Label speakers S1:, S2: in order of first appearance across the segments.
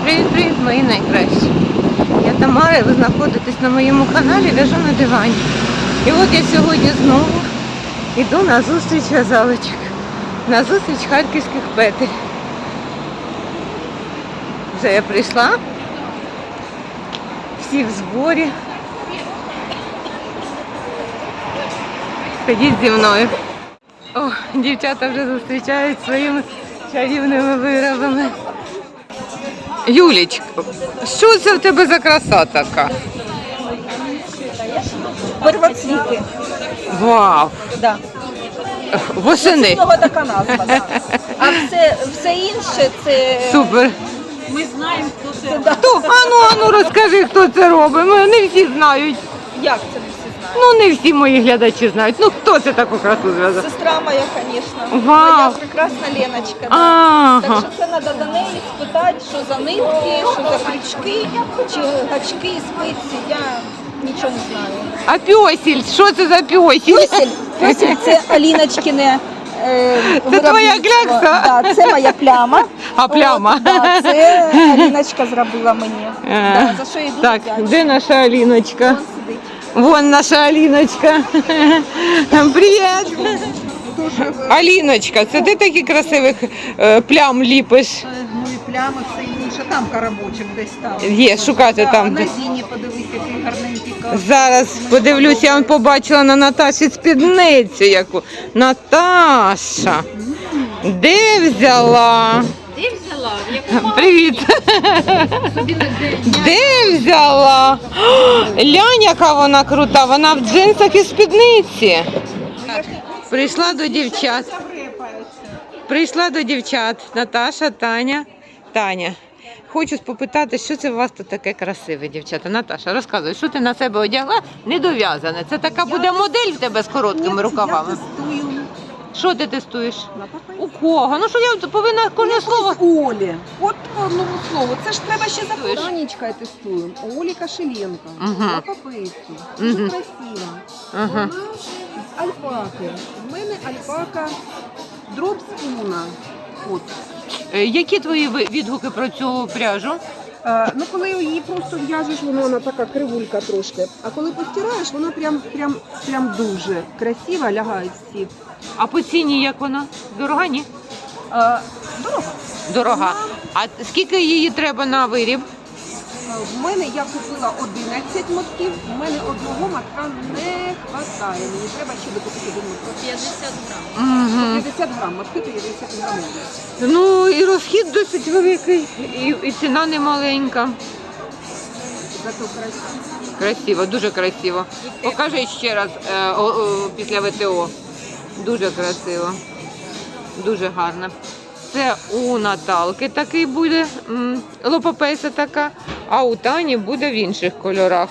S1: Привіт-привіт, мої найкращі. Я Тамара, і ви знаходитесь на моєму каналі «В'яжу на дивані». І от я сьогодні знову йду на зустріч в'язалочок, на зустріч харківських петель. Вже я прийшла, всі в зборі. Ходіть зі мною. О, дівчата вже зустрічають своїми чарівними виробами. Юлічка, що це в тебе за краса така?
S2: Первоцвіти.
S1: Вау!
S2: Да.
S1: Восени.
S2: Цього така назва, да. А все інше це...
S1: Супер.
S2: Ми знаємо, хто це.
S1: Хто? Ану, розкажи, хто це робить. Не всі знають.
S2: Як це не всі знають?
S1: Ну, не всі мої глядачі знають. Ну, хто це таку красу зв'язав?
S2: Сестра моя, звісно.
S1: Вау.
S2: Моя прекрасна Леночка. Да.
S1: Ага.
S2: Так що це треба до неї спитати, що за нитки, що за крючки, чи гачки, спиці. Я нічого не знаю.
S1: А пьосіль? Що це за пьосіль?
S2: Пьосель це Аліночкине
S1: Це твоя клякса?
S2: Да, це моя пляма.
S1: А пляма?
S2: От, да, це Аліночка зробила мені. Да, за що я дуже
S1: Так,
S2: вдячна.
S1: де наша Аліночка?
S2: Вон сидить.
S1: Вон наша Аліночка. Привіт! Аліночка, це ти таких красивих плям ліпиш?
S3: Ну і плями, все інше, там карабочок десь там.
S1: Є, шукати там.
S3: На
S1: десь.
S3: зіні подивись, який гарненький кар.
S1: Зараз подивлюсь, я побачила на Наташі спідницю яку. Наташа, де взяла?
S2: Де взяла? В якому
S1: Привіт. Де взяла? Лянь, яка вона крута, вона в джинсах і спідниці. Прийшла до дівчат. Прийшла до дівчат. Наташа, Таня. Таня, хочу попитати, що це у вас тут таке красиве, дівчата. Наташа, розказуй, що ти на себе одягла? Недов'язане. Це така буде модель в тебе з короткими рукавами.
S3: Я тестую
S1: Що ти тестуєш?
S3: на папайці.
S1: У кого? Ну що я повинна кожне слово.
S3: Олі. От по одному слову. Це ж треба ще за Танечка я тестую. Олі Кашеленко.
S1: Мгм.
S3: На папайці. Дуже
S1: Мгм.
S3: красиво.
S1: Ага.
S3: Вона з альпаки. В мене альпака дроб спуна. От.
S1: Які твої відгуки про цю пряжу?
S3: Ну, коли її просто в'яжеш, вона така кривулька трошки. А коли постираєш, вона прям дуже красива, лягають всі.
S1: А по ціні як вона? Дорога, ні?
S3: Дорого.
S1: Дорога. А скільки її треба на виріб?
S3: В мене я купила 11 мотків, в мене одного мотка не вистачає. Мені треба ще докупити один моток.
S2: 50 грам.
S1: Угу.
S3: 50 грам, мотки 50 грамів.
S1: Ну і розхід досить великий, і ціна не маленька.
S3: Зато красиво.
S1: Красиво, дуже красиво. Покажи ще раз після ВТО. Дуже красиво. Дуже гарно. Це у Наталки такий буде, лопапейса така, а у Тані буде в інших кольорах.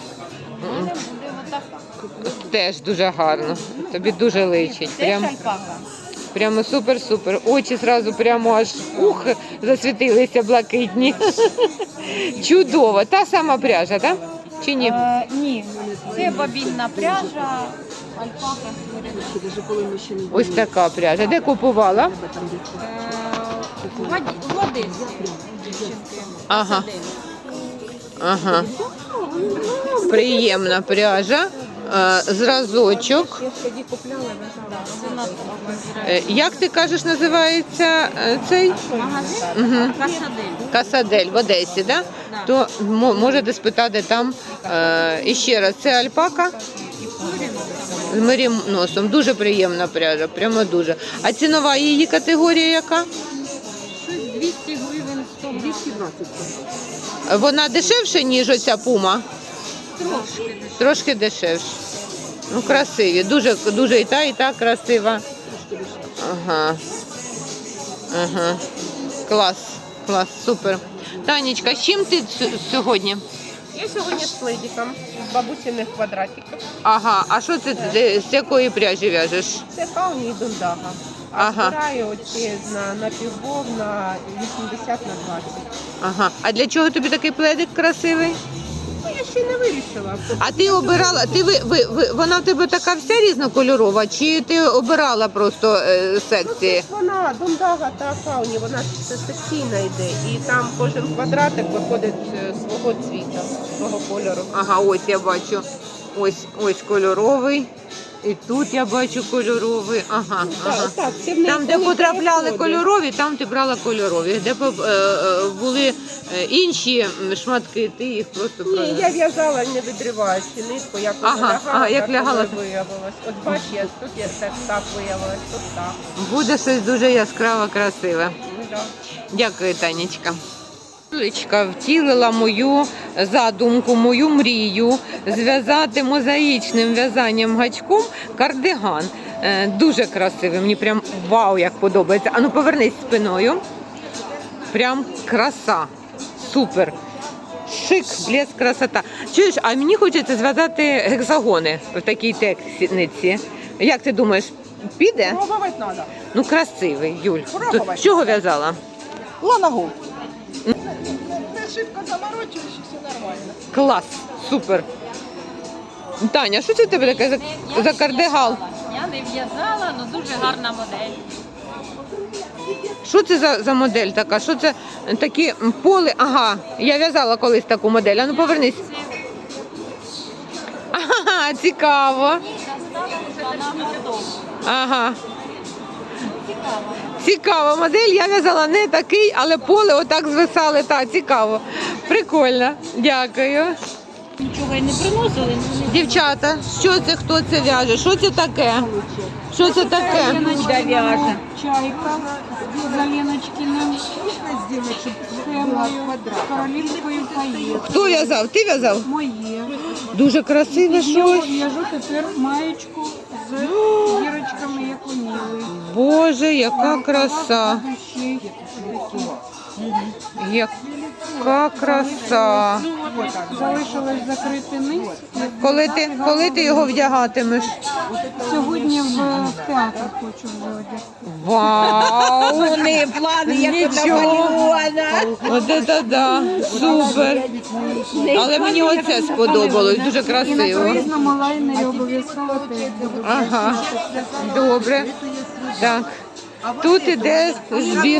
S1: Теж дуже гарно. Тобі дуже личить. Прямо супер-супер. Очі зразу прямо аж засвітилися блакитні. Чудово. Та сама пряжа, так? Чи ні?
S2: Ні, це бабінна пряжа, альпака.
S3: Ще даже коли ми ще не були.
S1: Ось така пряжа. Де купувала?
S3: Там десь
S2: В Одесі.
S1: Ага. Ага. Приємна пряжа. Зразочок.
S3: я ж тоді купляла, в'язала.
S1: Як ти кажеш, називається цей? Угу. Касадель в Одесі, да? То можете спитати там. І ще раз, це альпака з мериносом. Дуже приємна пряжа, прямо дуже. А цінова її категорія яка?
S2: 200 гривень, 100 гривень.
S3: 220.
S1: Вона дешевша, ніж оця пума?
S2: Трошки.
S1: Трошки дешевше. Ну, красиві. Дуже і та красива. Ага. Ага. Клас. Клас, супер. Танечка, з чим ти сьогодні?
S4: Я сьогодні з пледиком, з бабусиних квадратиків.
S1: Ага, а що ти з якої пряжі в'яжеш?
S4: Це кауні і дундага. А
S1: Ага.
S4: збираю оці на півбов на 80 на 20.
S1: Ага. А для чого тобі такий пледик красивий?
S4: Ну, я ще й не вирішила.
S1: А ти обирала, вона в тебе така вся різнокольорова, чи ти обирала просто секції?
S4: Вона дундага та фауні, вона ж секційна йде. І там кожен квадратик виходить свого цвіта, свого кольору.
S1: Ага, ось я бачу. Ось кольоровий. І тут я бачу кольоровий. Ага.
S4: Так, це в неї
S1: Там, де
S4: коли
S1: потрапляли
S4: переходить.
S1: кольорові, там ти брала кольорові. Де були інші шматки, ти їх просто
S4: Ні,
S1: брала.
S4: я в'язала не відриваючи нитку, як вона лягала,
S1: як
S4: так
S1: лягала.
S4: вона виявилась. От бач, тут я так виявилась, тут так.
S1: Буде щось дуже яскраво, красиве.
S4: Ну, да.
S1: Дякую, Танечка. Юлечка втілила мою задумку, мою мрію зв'язати мозаїчним в'язанням гачком кардиган. Дуже красивий, мені прям вау, як подобається. Ану, повернись спиною. Прям краса. Супер. Шик, блеск, красота. Чуєш, а мені хочеться зв'язати гексагони в такій техніці. Як ти думаєш, піде?
S4: Пробувати треба.
S1: Ну, красивий, Юль.
S4: Пробувати.
S1: З чого в'язала?
S4: Ланагу. Не шибко заморочуєш, все нормально.
S1: Клас, супер. Таня, що це в тебе таке за кардигал?
S5: Я не в'язала, але дуже гарна модель.
S1: Що це за модель така? Що це такі поли? Ага, я в'язала колись таку модель. А ну повернись. Ага, цікаво.
S5: Вона готова.
S1: Ага. Цікава модель. Я в'язала не такий, але поле отак звисали. Так, цікаво. Прикольно. Дякую.
S5: Нічого й не приносили.
S1: Дівчата, що це, хто це в'яже? Що це таке? Що це таке?
S5: Люда в'яже.
S6: Чайка з Леночкиным схемою, з королівською поїздкою.
S1: Хто в'язав? Ти в'язав?
S6: Моє.
S1: Дуже красиве
S6: Я
S1: щось.
S6: в'яжу тепер маєчку з зірочками, як у Ніли.
S1: Боже, яка краса.
S6: Будущий такий.
S1: Яка краса.
S6: Залишилось закрити низ.
S1: Коли ти його вдягатимеш?
S6: Сьогодні в театр хочу вже одягти.
S1: Вау!
S2: Вони плани, як
S1: Нічого. От це да, супер. Але мені оце сподобалось, дуже
S6: І на
S1: красиво.
S6: круїзному лайнері обов'язково теж буду.
S1: Ага, добре. Так. Тут іде збір.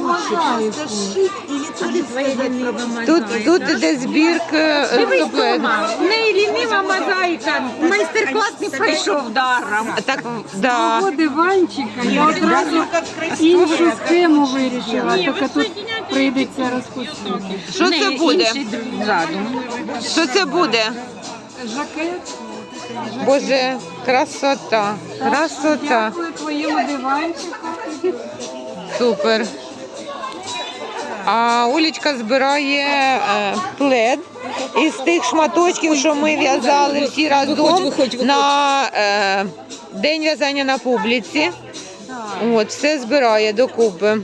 S1: Тут іде збірка топлету.
S2: В неї лінива мозаїка. Майстер-клас не пройшов даром.
S1: Так, да.
S6: Свого диванчика я одразу іншу схему вирішила, тільки тут прийдеться розпустити.
S1: Що це буде? Що це буде?
S6: Жакет.
S1: Боже, красота, красота.
S6: Дякую твоєму диванчику.
S1: Супер. А Олечка збирає плед із тих шматочків, що ми в'язали всі разом на день в'язання на публіці. От, все збирає докупи.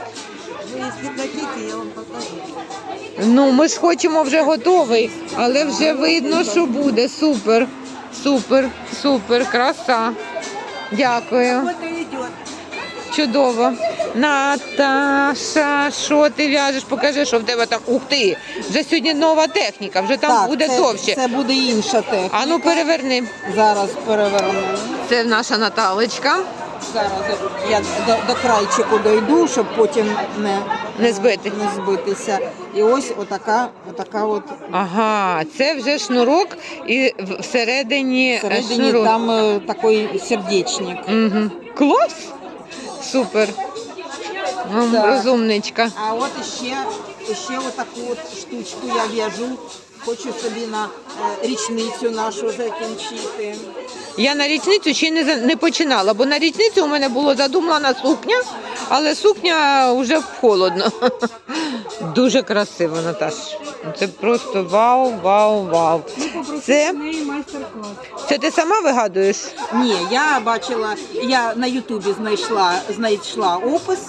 S1: Ну, ми ж хочемо вже готовий, але вже видно, що буде. Супер, супер, супер, краса. Дякую. Чудово. Наташа, що ти в'яжеш? Покажи, що в тебе там. Ух ти! Вже сьогодні нова техніка, вже там буде довше.
S7: Це буде інша техніка.
S1: А ну переверни.
S7: Зараз переверну.
S1: Це наша Наталечка.
S7: Зараз я до крайчику дойду, щоб потім
S1: Не збити.
S7: не збитися. І ось отака от
S1: Ага, це вже шнурок і всередині,
S7: всередині
S1: шнурок.
S7: там такий сердечник.
S1: Угу. Клас! Супер.
S7: Так.
S1: Розумничка.
S7: А от ще отаку от штучку я в'яжу. Хочу собі на річницю нашу закінчити.
S1: Я на річницю ще не починала, бо на річницю у мене було задумана сукня, але сукня вже холодно. Дуже красиво, Наташ. Це просто вау, вау, вау. Це,
S6: В неї майстер-клас.
S1: це ти сама вигадуєш?
S7: Ні, я бачила, я на Ютубі знайшла опис,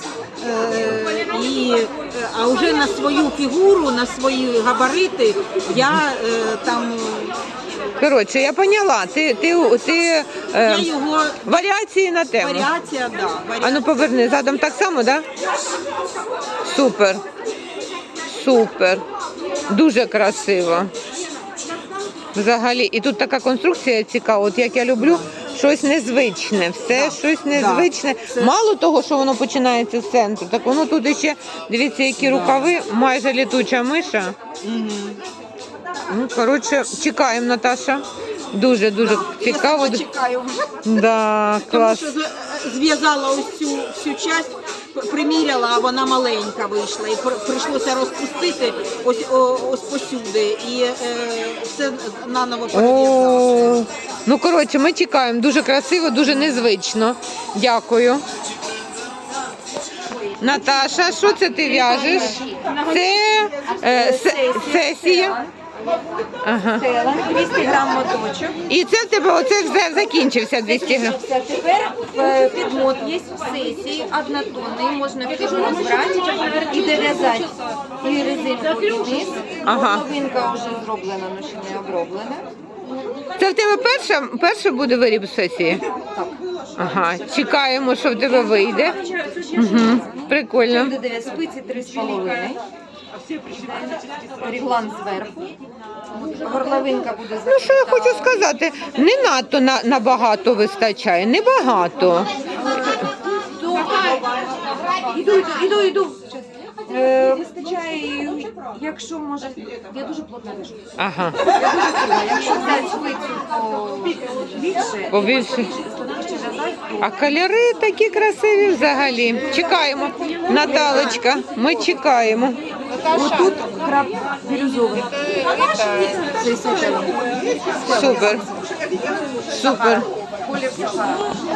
S7: а вже на свою фігуру, на свої габарити я там
S1: Коротше, я поняла. Ти
S7: я його
S1: варіації на тему.
S7: варіація, да.
S1: А ну поверни, задом так само, так? Да? Супер. Супер. Дуже красиво. Взагалі, і тут така конструкція цікава, от як я люблю, щось незвичне, все щось незвичне. Мало того, що воно починається з центру, так воно тут іще, дивіться, які рукави, майже літуча миша. Ну, коротше, чекаємо, Наташа. Дуже-дуже цікаво.
S7: Я чекаю вже.
S1: Да,
S7: Тому
S1: клас.
S7: що зв'язала ось цю всю часть, приміряла, а вона маленька вийшла. І прийшлося розпустити ось посюди. І все наново перев'язала.
S1: О, ну, коротше, ми чекаємо. Дуже красиво, дуже незвично. Дякую. Наташа, що це ти в'яжеш? Це сесія. Ага.
S2: 200 грам моточок.
S1: І це в тебе оце вже закінчився 200 грам.
S2: Тепер підмот є в сесії, однотонний, можна підмот брати і дов'язати. І резинку вниз.
S1: Ага.
S2: Половинка вже зроблена, але ще не оброблена.
S1: Це в тебе перша буде виріб сесії?
S2: Так.
S1: Ага, чекаємо, що в тебе вийде. Угу. Прикольно.
S2: Буде спиці 3,5. Реглан зверху. Горловинка буде
S1: Ну, що я хочу сказати, не надто набагато вистачає, небагато.
S2: Іду. Вистачає, якщо може, я дуже плотно в'яжу.
S1: Ага,
S2: Я дуже круга, якщо взяти спицю побільше,
S1: побільше.
S2: складніше в'язати,
S1: А кольори такі красиві взагалі. Чекаємо. Наталочка, ми чекаємо.
S2: Отут краб бірюзовий. Це сетелом.
S1: Супер. Супер.
S2: Колір Сахара.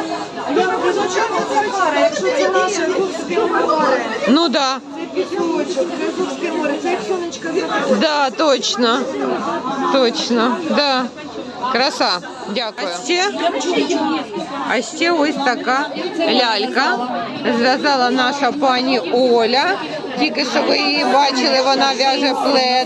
S3: Якщо це наше Азовське море,
S1: Ну да.
S3: пісочок, це Азовське море, це як сонечко заходить.
S1: Да, точно. Точно. Да. Краса. Дякую. А ще ось така лялька. Зв'язала наша пані Оля. Тільки що ви її бачили, вона в'яже плед.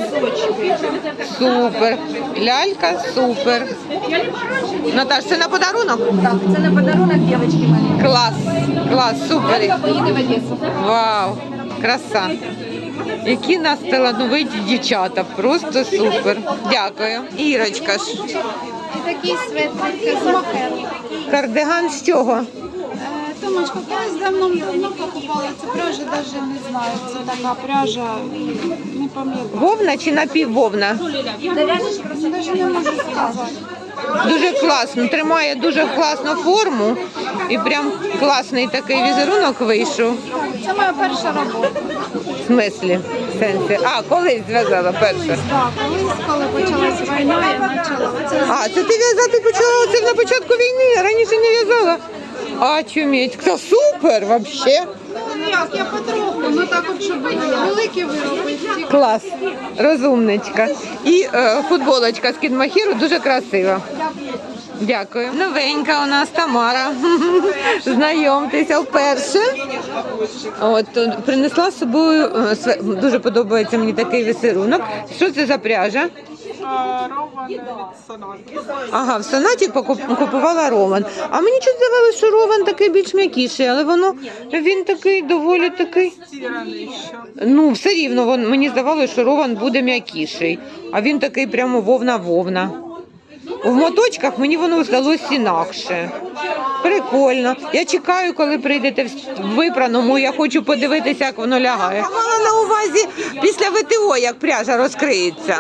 S1: Супер. Лялька супер. Наташ, це на подарунок?
S2: Так, це на подарунок дівчатки маленькій.
S1: Клас. Клас, супер.
S2: Поїде в Одесу.
S1: Вау, краса. Які нас талановиті дівчата, просто супер. Дякую. Ірочка ж.
S6: І такий светлик з мохер.
S1: Кардиган з чого?
S6: Томочка, колись давно покупала цю пряжу, навіть не знаю. Це така пряжа, не пам'ятаю.
S1: Вовна чи напіввовна?
S6: Навіть не можу сказати.
S1: Дуже класно, тримає дуже класну форму і прям класний такий візерунок вийшов.
S6: Це моя перша робота.
S1: В смислі? В сенсі. А, колись зв'язала перша.
S6: Так, колись, коли почалась війна, я почала. Оце
S1: А, це ти в'язати почала це на початку війни, раніше не в'язала. А, чуміть, це супер, взагалі.
S6: ну як, я потроху, ну так от, щоб великі вироби.
S1: Клас, розумничка. І футболочка з Кідмахіру дуже красива. Дякую. Новенька у нас Тамара. Знайомтеся вперше. От, принесла з собою, дуже подобається мені такий візерунок. Що це за пряжа?
S8: Роман від Сонати.
S1: Ага, в Сонаті купувала Роман. А мені чуть здавалося, що Роман такий більш м'якіший, але він такий доволі такий.
S8: Стіраний ще.
S1: Ну, все рівно, мені здавалося, що Роман буде м'якіший, а він такий прямо вовна-вовна. В моточках мені воно здалося інакше. Прикольно. Я чекаю, коли прийдете в випраному, я хочу подивитися, як воно лягає. Я мала на увазі після ВТО, як пряжа розкриється.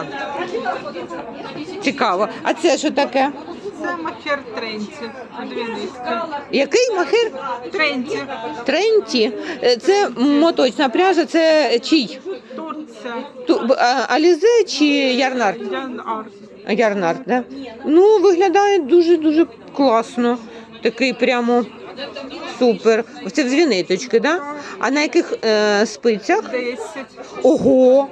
S1: Цікаво. А це що таке?
S8: Це махер Тренті. Дві низки.
S1: Який махир?
S8: Тренті.
S1: Тренті. Це моточна пряжа, це чий?
S8: Турція.
S1: Алізе чи Ярнар?
S8: Ян Арс.
S1: Ярнар, да? Ну, виглядає дуже-дуже класно. Такий прямо супер. Це в дві ниточки, да? А на яких спицях?
S8: 10.
S1: Ого!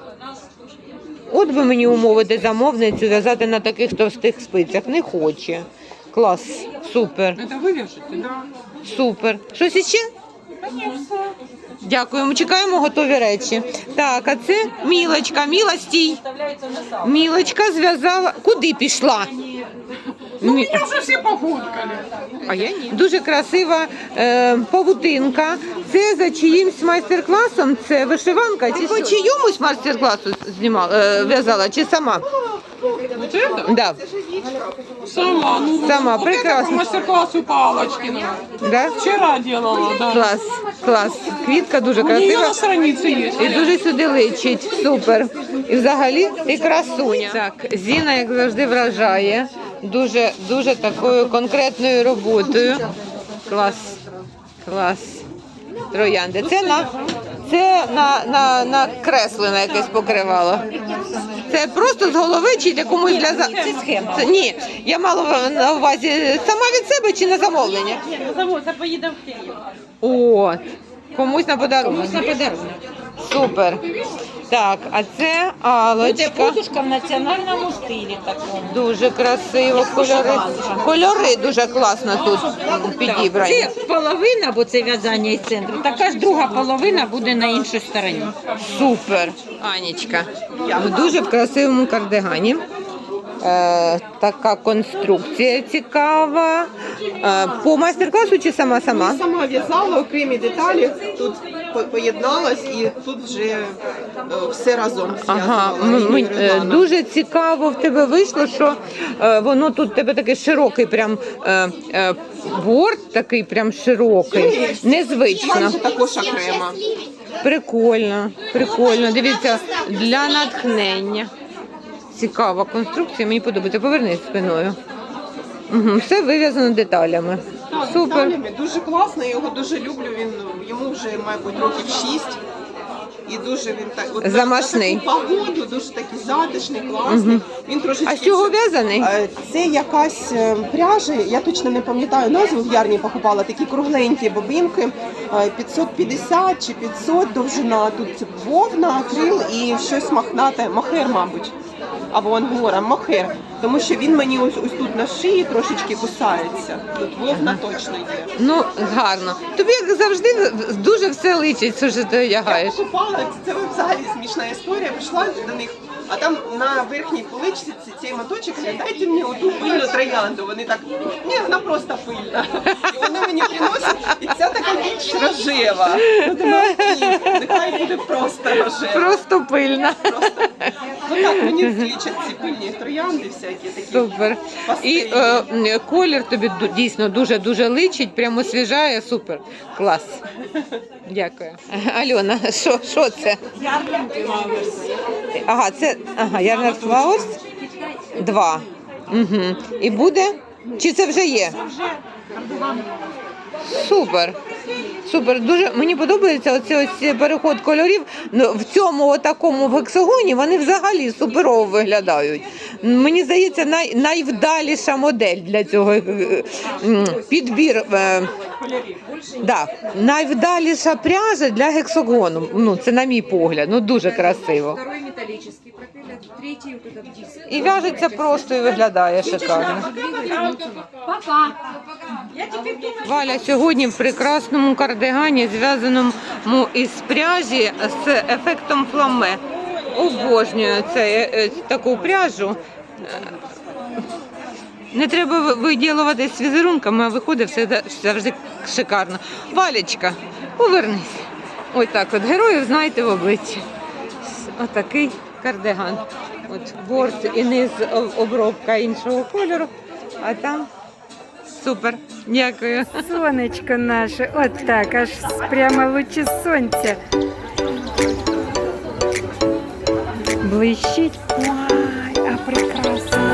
S1: От би мені умовити замовницю в'язати на таких товстих спицях. Не хоче. Клас, супер.
S8: Це ви в'яжете? Да.
S1: Супер. Щось іще? Дякуємо, чекаємо готові речі. Так, а це Мілочка. Міла, стій. Мілочка зв'язала. Куди пішла?
S8: Мене вже всі погулькали.
S1: А я ні. Дуже красива павутинка це за чиїмсь майстер-класом? Це вишиванка? Ти по чиюмусь майстер-класу в'язала чи сама?
S8: Вот это?
S1: Да.
S8: Сама. Ну,
S1: Сама,
S8: вот это по
S1: прекрасно.
S8: мастер-классу Палочкина.
S1: Да?
S8: Вчера делала, да.
S1: Клас, клас. Квітка дуже
S8: У нее
S1: красива.
S8: на странице есть.
S1: І дуже сюди личить. Супер. І взагалі і красуня. Так, Зіна, як завжди, вражає. Дуже такою конкретною роботою. Клас. Клас. Троянди. Це на креслене якесь покривало. Це просто з голови чи для комусь для Це схема. Ні, я мала на увазі сама від себе чи на замовлення?
S5: Це поїде в Київ.
S1: От. Комусь на подарунок. Супер. Так, а це Алочка.
S5: Подушка в національному стилі такому.
S1: Дуже красиво. Кольори дуже класно тут підібрані.
S5: Це половина, бо це в'язання із центру. Така ж друга половина буде на іншій стороні.
S1: Супер. Анічка. Дуже в красивому кардигані. Така конструкція цікава. По майстер-класу чи сама?
S4: Сама в'язала окремі деталі, тут поєдналась і тут вже все разом
S1: Ага,
S4: зв'язувала.
S1: дуже цікаво в тебе вийшло, що воно тут в тебе такий широкий прям борт, такий прям широкий, незвично.
S4: Майже також окремо.
S1: Прикольно, прикольно. Дивіться, для натхнення. Цікава конструкція, мені подобається. Повернись спиною. Угу, все вив'язано деталями. Супер.
S4: Деталями. Дуже класно, я його дуже люблю. Йому вже, мабуть, років 6. І дуже він так от
S1: Замашний.
S4: на таку погоду, дуже такий затишний, класний. Він трошечки.
S1: А з чого в'язаний?
S4: Це якась пряжа, я точно не пам'ятаю назву, в ярні покупала такі кругленькі бобинки, 550 чи 500 довжина. Тут вовна, акрил і щось мохнате, мохер, мабуть. Або ангора, мохер. Тому що він мені ось тут на шиї трошечки кусається. Тут вовна точно є.
S1: Ну, гарно. Тобі, як завжди, дуже все личить, що ти
S4: Я
S1: одягаєш.
S4: покупала, це взагалі смішна історія, прийшла до них, а там на верхній поличці цей моточок, дайте мені оту пильну троянду. Вони так, ні, вона просто пильна. І вони мені приносять, і ця така більш рожева. Ну, думаю, окей, нехай буде просто рожева.
S1: Просто пильна.
S4: Ну так, мені злічать ці пильні троянди всякі такі.
S1: Супер. І колір тобі дійсно дуже личить, прямо освіжає, супер. Клас. Дякую. Альона, що це? Ага, це Ярнар Flowers 2. Угу. І буде? Чи це вже є? Супер. Супер. Дуже мені подобається оцей переход кольорів. Ну, в цьому такому гексагоні вони взагалі суперово виглядають. Мені здається, найвдаліша модель для цього підбір. Да, найвдаліша пряжа для гексагону. Ну, це на мій погляд. Ну, дуже красиво.
S2: Второй металлический пропеллер, третий вот этот диск.
S1: І в'яжеться просто і виглядає шикарно.
S2: Пока.
S1: Валя сьогодні в прекрасному кардигані, зв'язаному із пряжі з ефектом фламе. Обожнюю таку пряжу. Не треба виділувати з візерунками, а виходить все завжди шикарно. Валечка, повернись. Ось так от героїв знаєте в обличчі. Отакий кардиган. От борт і низ обробка іншого кольору, а там супер. Дякую.
S9: Сонечко наше, от так, аж прямо лучі сонця. Блищить. Ой, а прекрасно.